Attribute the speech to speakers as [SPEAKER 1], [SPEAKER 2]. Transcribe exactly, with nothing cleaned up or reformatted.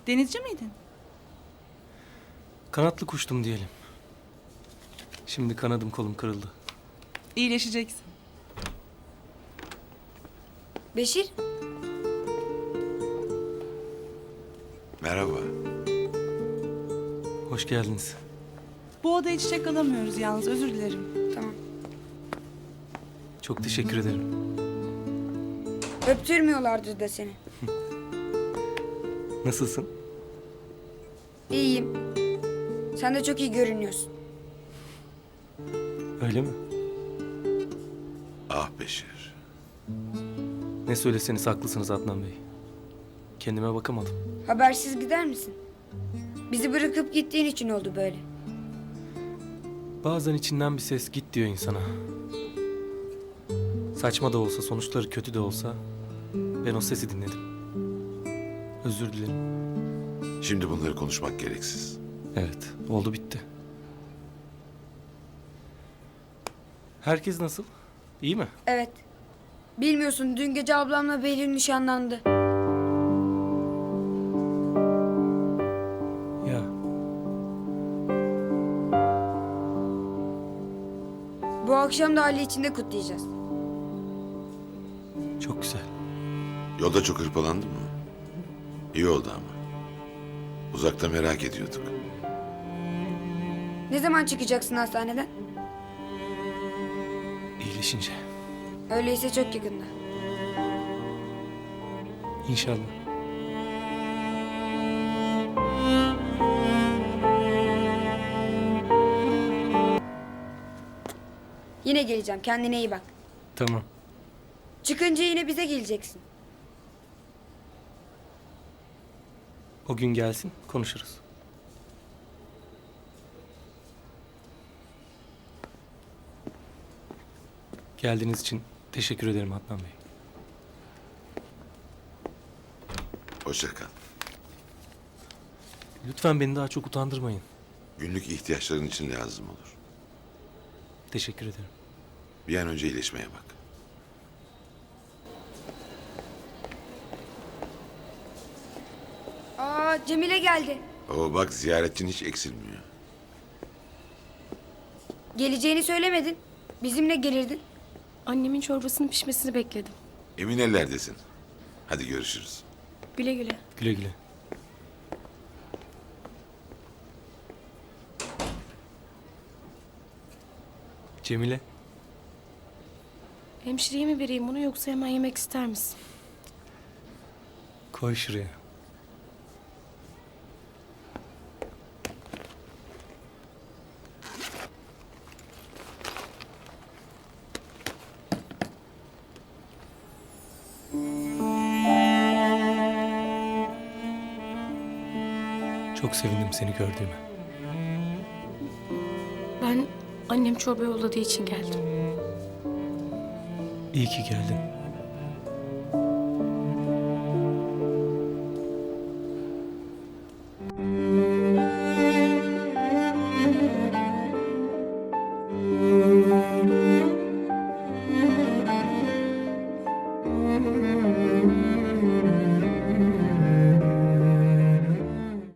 [SPEAKER 1] Denizci miydin?
[SPEAKER 2] Kanatlı kuştum diyelim. Şimdi kanadım kolum kırıldı.
[SPEAKER 1] İyileşeceksin.
[SPEAKER 3] Beşir,
[SPEAKER 4] Merhaba.
[SPEAKER 2] Hoş geldiniz.
[SPEAKER 1] Bu odaya çiçek alamıyoruz yalnız, özür dilerim.
[SPEAKER 3] tamam.
[SPEAKER 2] Çok teşekkür ederim.
[SPEAKER 3] Öptürmüyorlardır da seni.
[SPEAKER 2] Nasılsın?
[SPEAKER 3] İyiyim. Sen de çok iyi görünüyorsun.
[SPEAKER 2] Öyle mi?
[SPEAKER 4] Ah Beşir.
[SPEAKER 2] Ne söyleseniz haklısınız Adnan Bey. Kendime bakamadım.
[SPEAKER 3] Habersiz gider misin? Bizi bırakıp gittiğin için oldu böyle.
[SPEAKER 2] Bazen içinden bir ses git diyor insana. Saçma da olsa, sonuçları kötü de olsa ben o sesi dinledim. Özür dilerim.
[SPEAKER 4] Şimdi bunları konuşmak gereksiz.
[SPEAKER 2] Evet, oldu bitti. Herkes nasıl? İyi mi?
[SPEAKER 3] Evet. Bilmiyorsun, dün gece ablamla Behlül nişanlandı.
[SPEAKER 2] Ya,
[SPEAKER 3] Bu akşam da aile içinde kutlayacağız.
[SPEAKER 2] çok güzel.
[SPEAKER 4] Yolda çok hırpalandın mı? İyi oldu ama. Uzakta merak ediyorduk.
[SPEAKER 3] Ne zaman çıkacaksın hastaneden?
[SPEAKER 2] İyileşince.
[SPEAKER 3] Öyleyse çok yakında.
[SPEAKER 2] İnşallah.
[SPEAKER 3] Yine geleceğim, kendine iyi bak.
[SPEAKER 2] Tamam.
[SPEAKER 3] Çıkınca yine bize geleceksin.
[SPEAKER 2] O gün gelsin, konuşuruz. Geldiğiniz için teşekkür ederim Adnan Bey.
[SPEAKER 4] Hoşça kal.
[SPEAKER 2] Lütfen beni daha çok utandırmayın.
[SPEAKER 4] Günlük ihtiyaçların için lazım olur.
[SPEAKER 2] Teşekkür ederim.
[SPEAKER 4] Bir an önce iyileşmeye bak.
[SPEAKER 3] Aa, Cemile geldi.
[SPEAKER 4] Oo bak, ziyaretçin hiç eksilmiyor.
[SPEAKER 3] Geleceğini söylemedin. Bizimle gelirdin.
[SPEAKER 5] Annemin çorbasının pişmesini bekledim.
[SPEAKER 4] Emin ellerdesin. Hadi görüşürüz.
[SPEAKER 5] Güle güle.
[SPEAKER 2] Güle güle. Cemile,
[SPEAKER 5] Hemşireye mi vereyim bunu yoksa hemen yemek ister misin?
[SPEAKER 2] koy şuraya. Çok sevindim seni gördüğüme.
[SPEAKER 5] Ben annem çorba yolladığı için geldim.
[SPEAKER 2] İyi ki geldin.